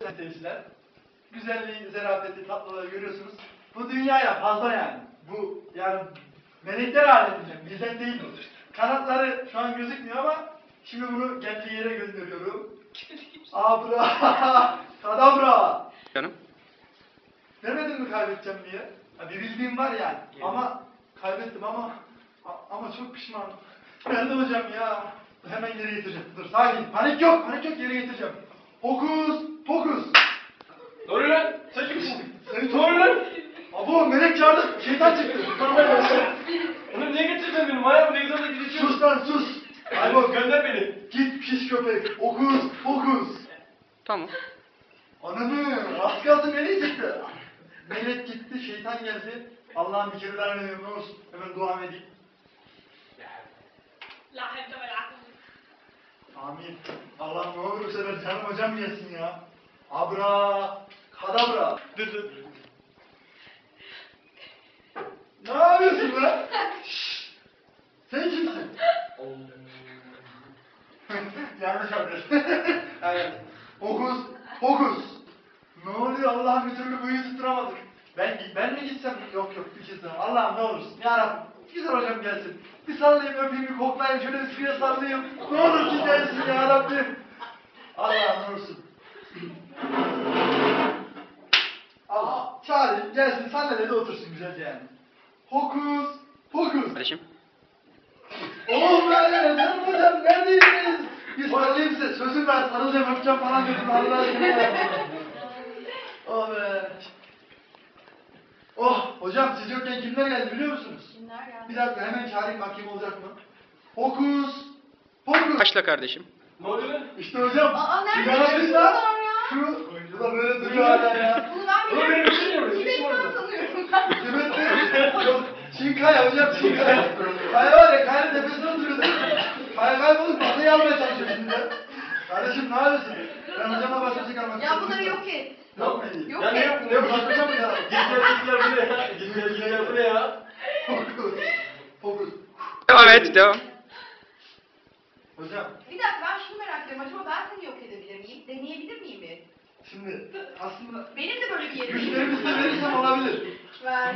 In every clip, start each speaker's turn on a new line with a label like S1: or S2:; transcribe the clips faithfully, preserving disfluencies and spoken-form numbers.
S1: seyirciler. Güzelliği, zerafeti, tatlılığı görüyorsunuz. Bu dünyaya fazla yani. Bu yani melekler aleminde, bizden değil bu. Kanatları şu an gözükmüyor ama şimdi bunu geldiği yere gönderiyorum. Abra, kadabra.
S2: Canım.
S1: Demedin mi kaybedeceğim diye? Ya bir bildiğim var yani.
S3: Evet.
S1: Ama kaybettim ama ama çok pişmanım. Ben de hocam ya. Hemen geri getireceğim. Dur sakin. Panik yok. Panik yok. Geri getireceğim. Fokus. Fokus.
S3: Doğru lan. Sen kimsin?
S1: Seni
S3: Doğru lan.
S1: Abo melek çağırdı. Şeytan çıktı.
S3: Onu niye getirdin beni? Manyak ne güzel de gideceğim.
S1: Sus lan sus.
S3: Aybo gönder beni.
S1: Git pis köpek. Fokus. Fokus.
S2: Tamam.
S1: Ananı. Az kalsın meleği çıktı. Melek gitti. Şeytan geldi. Allah'ım bir kere daha ne olsun. Hemen dua edeyim.
S4: La havle ve la kuvvete.
S1: Amin. Allah ne olur bu sefer canım hocam yesin ya. Abra, kadabra.
S3: Dur dur.
S1: Ne yapıyorsun lan? Şşş! Sen kimsin? Yanlış yapıyorsun. Evet. Fokus, fokus. Ne oluyor Allah'ım bir türlü bu yüzü tutturamadık. Ben, ben mi gitsem? Yok yok bir kez daha. Allah'ım ne olursun. Yarabbim. Güzel hocam gelsin. Bir sallayayım öpeyim bir koklayayım şöyle bir suya sallayayım. Ne olur ki gelsin yarabbim. Allah'ım ne olursun. Allah çağırayım gelsin sandalyede otursun güzelce yani. Fokus, fokus.
S2: Kardeşim.
S1: Oh be canım hocam neredeydiniz? Bir sarılayım size sözüm ver sarılacağım öpeceğim falan dedim Allah aşkına ya. Oh be. Oh hocam siz yokken kimler geldi biliyor musunuz?
S4: Kimler geldi?
S1: Bir dakika hemen çağırayım bakayım olacak mı? Fokus, fokus.
S2: Başla kardeşim.
S3: Ne oluyor lan?
S1: İşte hocam.
S4: Aa, nerede
S1: sigara
S4: çıktı
S1: kızlar,
S4: bunlar ya?
S1: Şu, bu da böyle duruyor hala ya.
S4: Bunu ben
S3: Oğlum benim
S4: biliyorum.
S3: bir şey yok. Bir şey
S4: Tibet'ten
S3: var.
S4: sanıyorum.
S1: Tibet'te yok. Çinkaya hocam Çinkaya. Kaya var ya kayanın tepesinde oturuyordu. Kaya kaybolup masayı almaya çalışıyor şimdi. Kardeşim ne yapıyorsun? Ben hocama başka şey kalmak
S4: Ya bunları yok et.
S1: Yok mu iyi?
S4: Yok
S3: Ya ne
S4: et.
S3: yap? Ne yap?
S1: Bırakacağım ya.
S3: Gizler gizler bu ne ya? Gizler gizler bu ne ya?
S1: Fokus. Fokus.
S2: Devam et, devam.
S1: Hocam
S4: Bir dakika ben şunu merak ediyorum. Acaba ben seni yok edebilir miyim? Deneyebilir miyim bir?
S1: şimdi aslında
S4: Benim de böyle bir yerim.
S1: güçlerimi size verirsem olabilir.
S4: Ver.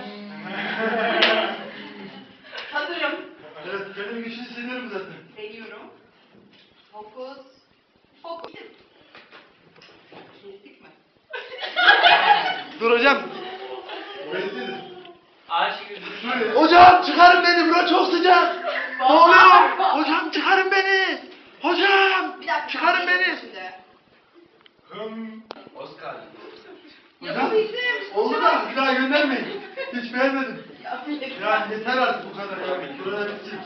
S4: Hazırım.
S1: Evet benim güçlü hissediyorum zaten.
S4: Deniyorum. Fokus. Fokus. Kestik mi?
S1: Dur hocam. Bekledim.
S3: Aşık üzülür.
S1: Hocam çıkarın beni bura çok sıcak. Ne oluyor? Hocam çıkarın beni. Hocam
S4: Bir dakika.
S1: çıkarın beni.
S4: Şimdi.
S1: Hım.
S3: Oscar.
S1: Hocam
S4: Yapabildim.
S1: oldu da bir daha göndermeyin. Hiç beğenmedim.
S4: Ya, bir dakika.
S1: Ya yeter artık bu kadar ya. Burada bitsin.